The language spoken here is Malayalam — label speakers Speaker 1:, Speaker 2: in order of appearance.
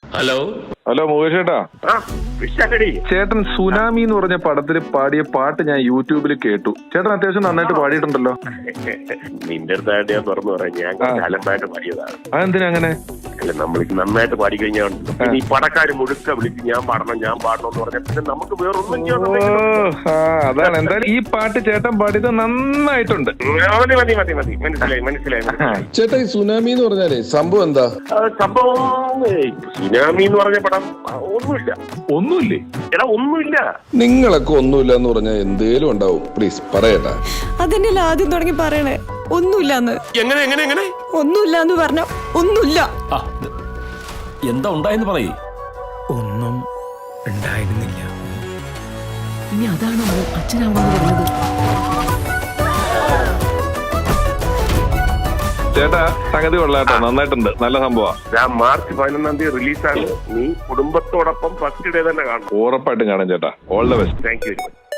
Speaker 1: ഹലോ
Speaker 2: ഹലോ മുകേഷ് ചേട്ടാ. ചേട്ടൻ സുനാമി എന്ന് പറഞ്ഞ പടത്തിൽ പാടിയ പാട്ട് ഞാൻ യൂട്യൂബിൽ കേട്ടു. ചേട്ടൻ അത്യാവശ്യം നന്നായിട്ട് പാടിയിട്ടുണ്ടല്ലോ.
Speaker 3: നിന്റെ അടുത്തായിട്ട് ഞാൻ തുറന്നു പറയാം, ഞാൻ അലമ്പായിട്ട് പാടിയതാണ്.
Speaker 2: അതെന്തിനാ അങ്ങനെ?
Speaker 3: അല്ല, നമ്മൾ നന്നായിട്ട് പാടി കഴിഞ്ഞാൽ ഈ പടക്കാര് മുഴുക്ക വിളിച്ച് ഞാൻ പാടണം എന്ന് പറഞ്ഞാൽ പിന്നെ നമുക്ക് വേറൊന്നും
Speaker 2: അതാണ്. എന്തായാലും ഈ പാട്ട് ചേട്ടൻ പാടിയത് നന്നായിട്ടുണ്ട്.
Speaker 3: മനസ്സിലായി.
Speaker 4: ചേട്ടാ, ഈ സുനാമി എന്ന് പറഞ്ഞാലേ സംഭവം എന്താ?
Speaker 3: സംഭവം സുനാമി എന്ന് പറഞ്ഞ പടം ഒന്നുമില്ലേ? എടാ, ഒന്നുമില്ല.
Speaker 4: നിങ്ങളൊക്കെ ഒന്നുമില്ല എന്ന് പറഞ്ഞാൽ എന്തേലും ഉണ്ടാവും. പ്ലീസ് പറയട്ടാ.
Speaker 5: അതന്നെയല്ല ആദ്യം തുടങ്ങി പറയണേ. ഒന്നുമില്ലാന്ന്.
Speaker 1: എങ്ങനെ
Speaker 5: ഒന്നുമില്ലാന്ന് പറഞ്ഞ ഒന്നുമില്ല.
Speaker 1: എന്താ ഉണ്ടായെന്ന് പറയേ.
Speaker 6: ഒന്നും ഉണ്ടായിരുന്നില്ല.
Speaker 5: ഇനി അതാണോ അച്ഛനാവണമെന്ന് പറഞ്ഞത്?
Speaker 2: ചേട്ടാ, സംഗതി കൊള്ളാട്ടോ, നന്നായിട്ടുണ്ട്, നല്ല സംഭവം.
Speaker 3: മാർച്ച് 11 റിലീസാണ്. നീ കുടുംബത്തോടൊപ്പം ഫസ്റ്റ് ഡേ തന്നെ കാണണം.
Speaker 2: ഉറപ്പായിട്ടും കാണാം ചേട്ടാ. All the best.
Speaker 3: Thank you very much.